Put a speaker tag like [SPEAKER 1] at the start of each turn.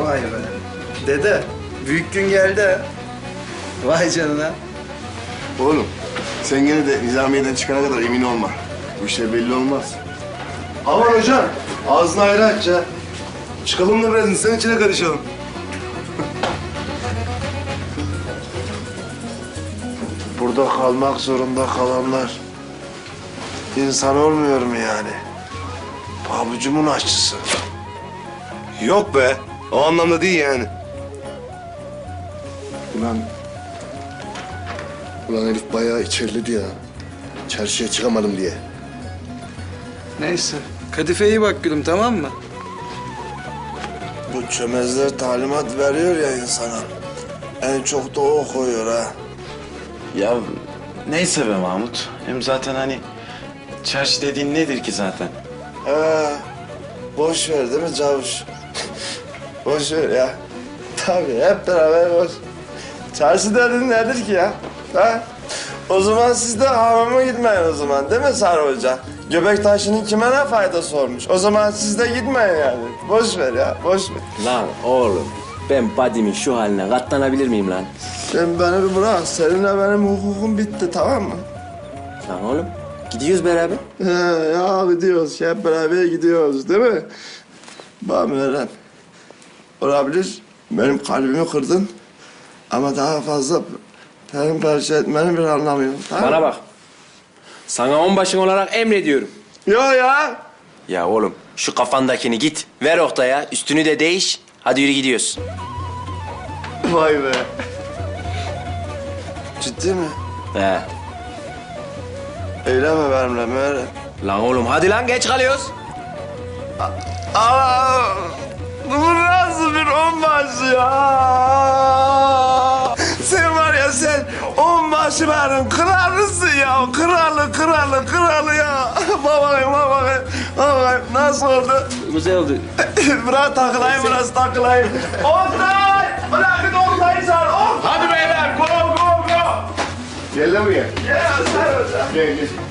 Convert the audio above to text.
[SPEAKER 1] Vay be. Dede, büyük gün geldi ha. Vay canına.
[SPEAKER 2] Oğlum sen gene de Nizamiye'den çıkana kadar emin olma. Bu işler belli olmaz. Aman hocam ağzını ayrı aç ya. Çıkalım da biraz insan içine karışalım. Burada kalmak zorunda kalanlar insan olmuyor mu yani? Pabucumun aşçısı. Yok be. O anlamda değil yani. Ulan herif bayağı içerledi ya. Çarşıya çıkamadım diye.
[SPEAKER 1] Neyse, Kadife iyi bak gülüm, tamam mı?
[SPEAKER 2] Bu çömezler talimat veriyor ya insana. En çok da o koyuyor ha.
[SPEAKER 3] Ya neyse be Mahmut. Hem zaten hani çarşı dediğin nedir ki zaten?
[SPEAKER 2] Boş ver değil mi Cavuş? Boş ver ya. Tabii hep beraber boş. Çarşı dediğin nedir ki ya? Ha? O zaman siz de hamama gitmeyin o zaman değil mi Sarı Hoca? Göbek taşının kime ne faydası olmuş? O zaman siz de gitmeyin yani. Boş ver ya, boş ver.
[SPEAKER 4] Lan oğlum, ben Badim'in şu haline katlanabilir miyim lan?
[SPEAKER 2] Sen beni bir bırak. Seninle benim hukukum bitti, tamam mı?
[SPEAKER 4] Lan oğlum, gidiyoruz beraber.
[SPEAKER 2] Ya gidiyoruz. Hep beraber gidiyoruz değil mi? Bak Meryem. Olabilir. Benim kalbimi kırdın. Ama daha fazla perişan etmenin bir anlamı yok. Tamam?
[SPEAKER 4] Bana bak. Sana onbaşın olarak emrediyorum.
[SPEAKER 2] Yok ya.
[SPEAKER 4] Ya oğlum, şu kafandakini git, ver Oktay'a, üstünü de değiş. Hadi yürü gidiyoruz.
[SPEAKER 2] Vay be. Ciddi mi?
[SPEAKER 4] He.
[SPEAKER 2] Eyleme benimle Meryem.
[SPEAKER 4] Lan oğlum, hadi lan, geç kalıyoruz.
[SPEAKER 2] Aa, bu nasıl bir onbaşı ya? Sen var ya sen onbaşı benim kralısın ya. Kralı ya. Bakayım nasıl oldu?
[SPEAKER 4] Güzel oldu.
[SPEAKER 2] Biraz takılayım. Oktay! Bırak bir de Oktay'ı çağır. Hadi beyler go. Gel lan buraya. Gel.